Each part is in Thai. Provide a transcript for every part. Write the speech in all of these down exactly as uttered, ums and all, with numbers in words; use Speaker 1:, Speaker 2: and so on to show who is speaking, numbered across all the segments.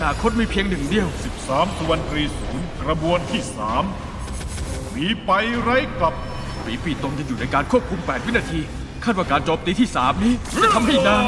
Speaker 1: อนาคตมีเพียงหนึ่งเดียว
Speaker 2: สิบสามสุวรรณตรีศูนย์กระบวนที่สามหนีไปไร้กลับ
Speaker 1: ปีปีตรงจะอยู่ในการควบคุมแปดวินาทีคาดว่าการโจมตีที่สามนี้จะทำให้นาง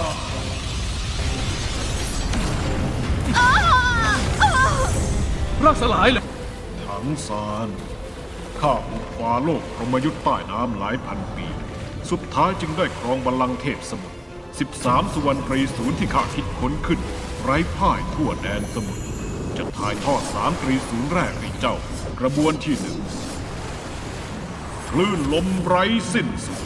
Speaker 1: ร่างสลายเลย
Speaker 2: ถังซานข้าบุกฟ้าโลกพรหมยุทธ์ใต้น้ำหลายพันปีสุดท้ายจึงได้ครองบัลลังก์เทพสมุทรสิบสามสุวรรณตรีศูนย์ที่ข้าคิดค้นขึ้นไร้พ่ายทั่วแดนสมุทรจะถ่ายทอดสามตรีศูนย์แรกให้เจ้ากระบวนที่หนึ่งคลื่นลมไร้สิ้นสุด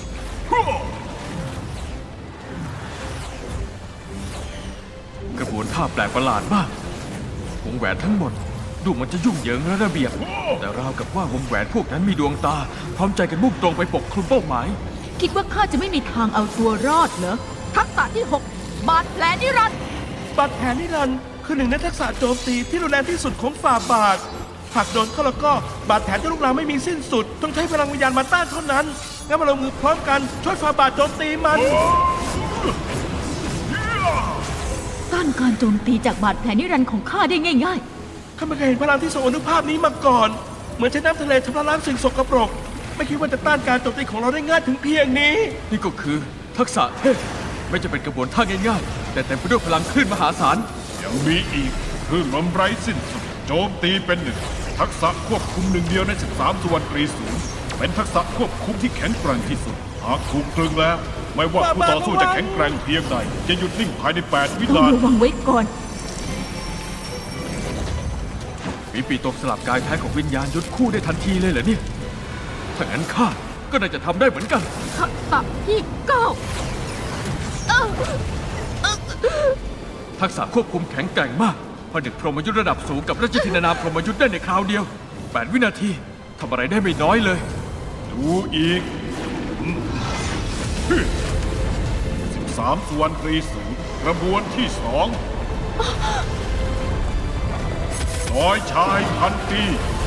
Speaker 1: กระบวนท่าแปลกประหลาดมากวงแหวนทั้งหมดดูมันจะยุ่งเหยิงและระเบียบแต่ราวกับว่าวงแหวนพวกนั้นมีดวงตาพร้อมใจกันมุ่งตรงไปปกคลุมเป้าหมาย
Speaker 3: คิดว่าข้าจะไม่มีทางเอาตัวรอดเหรอทักษะที่หกบาดแผลนิรันดร์
Speaker 4: บาดแผลนิรันดร์คือหนึ่งในทักษะโจมตีที่รุนแรงที่สุดของฝ่าบาทหากโดนเข้าแล้วก็บาดแผลจะลุกลามไม่มีสิ้นสุดต้องใช้พลังวิญญาณมาต้านเท่านั้นงั้นมาลงมือพร้อมกันช่วยฝ่าบาทโจมตีมัน
Speaker 3: ต้านการโจมตีจากบาดแผลนิรันดร์ของข้าได้ง่าย
Speaker 4: ข้าไม่เคยเห็นพลังที่ทรงอนุภาพนี้มาก่อนเหมือนใช้น้ำทะเลชำระล้างสิ่งสกปรกไม่คิดว่าจะต้านการโจมตีของเราได้ง่ายถึงเพียงนี้
Speaker 1: นี่ก็คือทักษะเทพไม่จะเป็นกระบวนท่าง่ายๆแต่เต็มไปด้วยพลังคลื่นมหาศาล
Speaker 2: ยังมีอีกคลื่นลมไร้สิ้นสุดโจมตีเป็นหนึ่งทักษะควบคุมหนึ่งเดียวในสิบสามสุวรรณตรีศูนย์เป็นทักษะควบคุมที่แข็งแกร่งที่สุดหากถูกตรึงแล้วไม่ว่าผู้ต่อสู้จะแข็งแกร่งเพียงใดจะหยุดนิ่งภายในแปดวิ
Speaker 3: ๆต้อ
Speaker 2: นาที
Speaker 3: งระวังไว้ก่อน
Speaker 1: ปีปีตกสลับกายแท้ของวิญญาณยุดคู่ได้ทันทีเลยเหรอเนี่ยถ้างั้นข้าก็น่าจะทำได้เหมือนกัน
Speaker 3: ทักษะที่เก้า
Speaker 1: ทักษะควบคุมแข็งแกร่งมากผนึกพรหมยุทธ์ระดับสูงกับราชธินานามพรหมยุทธ์ได้ในคราวเดียวแปดวินาทีทำอะไรได้ไม่น้อยเลย
Speaker 2: ดูอีกสิบสามสุวรรณตรีศูนย์กระบวนที่สองน้อยชายพันปี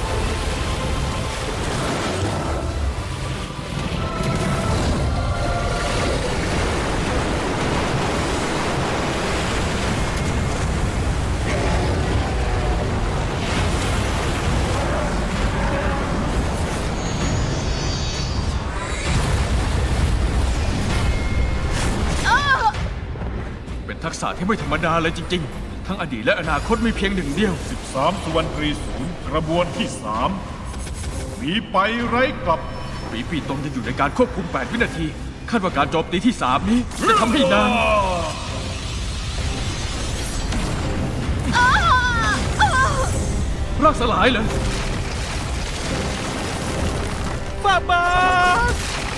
Speaker 1: ทักษะที่ไม่ธรรมดาเลยจริงๆทั้งอดีตและอนาคตมีเพียงหนึ่งเดียว
Speaker 2: สิบสามสุวรรณตรีศูนย์กระบวนที่สามหนีไปไร้กลับ
Speaker 1: ปีปีตรงจะอยู่ในการควบคุมแปดวินาทีคาดว่าการโจมตีที่สามนี้จะทำให้นางร่างสลายเลย
Speaker 4: ฝ่าบาท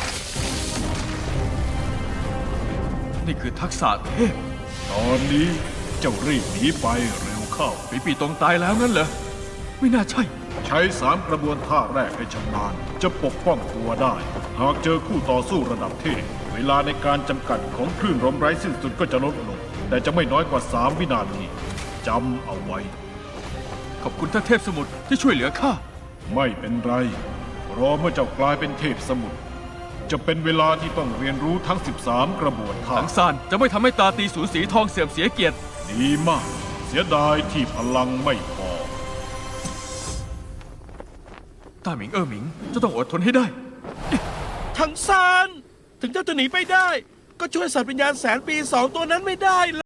Speaker 1: นี่คือทักษะเทพ
Speaker 2: ตอนนี้เจ้ารีบหนีไปเร็วเข้า
Speaker 1: ปีปีตรงตายแล้วงั้นเหรอไม่น่าใช่
Speaker 2: ใช้สามกระบวนท่าแรกให้ชำนาญจะปกป้องตัวได้หากเจอคู่ต่อสู้ระดับเทพเวลาในการจำกัดของคลื่นลมไร้สิ้นสุดก็จะลดลงแต่จะไม่น้อยกว่าสามวินาทีจำเอาไว้
Speaker 1: ขอบคุณท่านเทพสมุทรที่ช่วยเหลือข้า
Speaker 2: ไม่เป็นไรรอเมื่อเจ้ากลายเป็นเทพสมุทรจะเป็นเวลาที่ต้องเรียนรู้ทั้งสิบสามกระบวนท่า
Speaker 1: ถังซานจะไม่ทำให้ตาตีสูญสีทองเสื่อมเสียเกียรติ
Speaker 2: ดีมากเสียดายที่พลังไม่พอ
Speaker 1: ต้าหมิงเอ๋อหมิงจะต้องอดทนให้ได้
Speaker 4: ถังซานถึงเจ้าจะหนีไปได้ก็ช่วยสัตว์วิญญาณแสนปีสองตัวนั้นไม่ได้